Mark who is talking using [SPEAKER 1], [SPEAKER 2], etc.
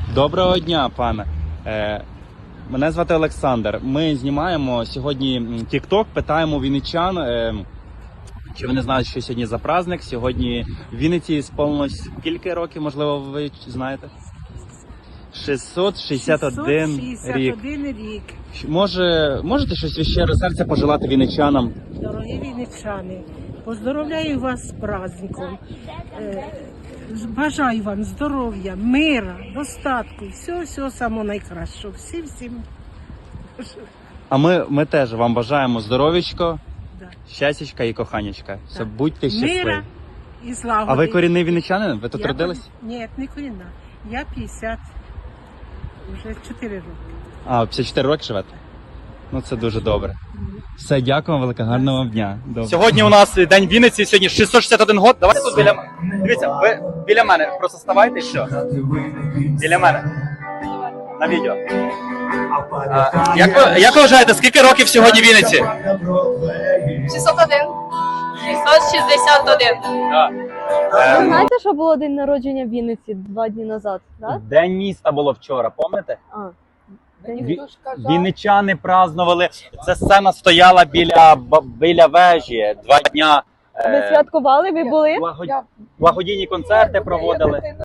[SPEAKER 1] Доброго дня, пане. Мене звати Олександр. Ми знімаємо сьогодні TikTok, питаємо вінничан, чи вони знають, що сьогодні за праздник. Сьогодні в Вінниці сповнилось скільки років, можливо, ви знаєте? 661 рік.
[SPEAKER 2] 661 рік.
[SPEAKER 1] Можете щось від щирого серця пожелати вінничанам?
[SPEAKER 2] Дорогі вінничани, поздоровляю вас з праздником. Бажаю вам здоров'я, мира, достатку, всього самого найкращого. Всім.
[SPEAKER 1] А ми теж вам бажаємо здоров'ячко,
[SPEAKER 2] Да.
[SPEAKER 1] щастячка і коханячка. Все,
[SPEAKER 2] Так.
[SPEAKER 1] будьте щасливі.
[SPEAKER 2] Мира і злагоди.
[SPEAKER 1] А ви корінний вінничанин? Ви тут
[SPEAKER 2] Я
[SPEAKER 1] родились?
[SPEAKER 2] Ні, не корінна. Я 50, вже 4 роки.
[SPEAKER 1] А, 54 роки живете? Ну це дуже добре. Все, дякую вам велике, гарного вам дня. Добре.
[SPEAKER 3] Сьогодні у нас День Вінниці, сьогодні 661 год. Давайте тут біля мене. Дивіться, ви біля мене просто ставайте і все. Біля мене. На відео. Як ви вважаєте, скільки років сьогодні Вінниці?
[SPEAKER 4] 601. 661.
[SPEAKER 1] Е,
[SPEAKER 5] Ви знаєте, що було день народження в Вінниці 2 дні назад, так?
[SPEAKER 1] День міста було вчора, пам'ятаєте?
[SPEAKER 5] А.
[SPEAKER 1] Вінничани празднували. Ця сцена стояла біля вежі 2 дня.
[SPEAKER 5] Ви святкували, ви були?
[SPEAKER 1] Благодійні концерти проводили.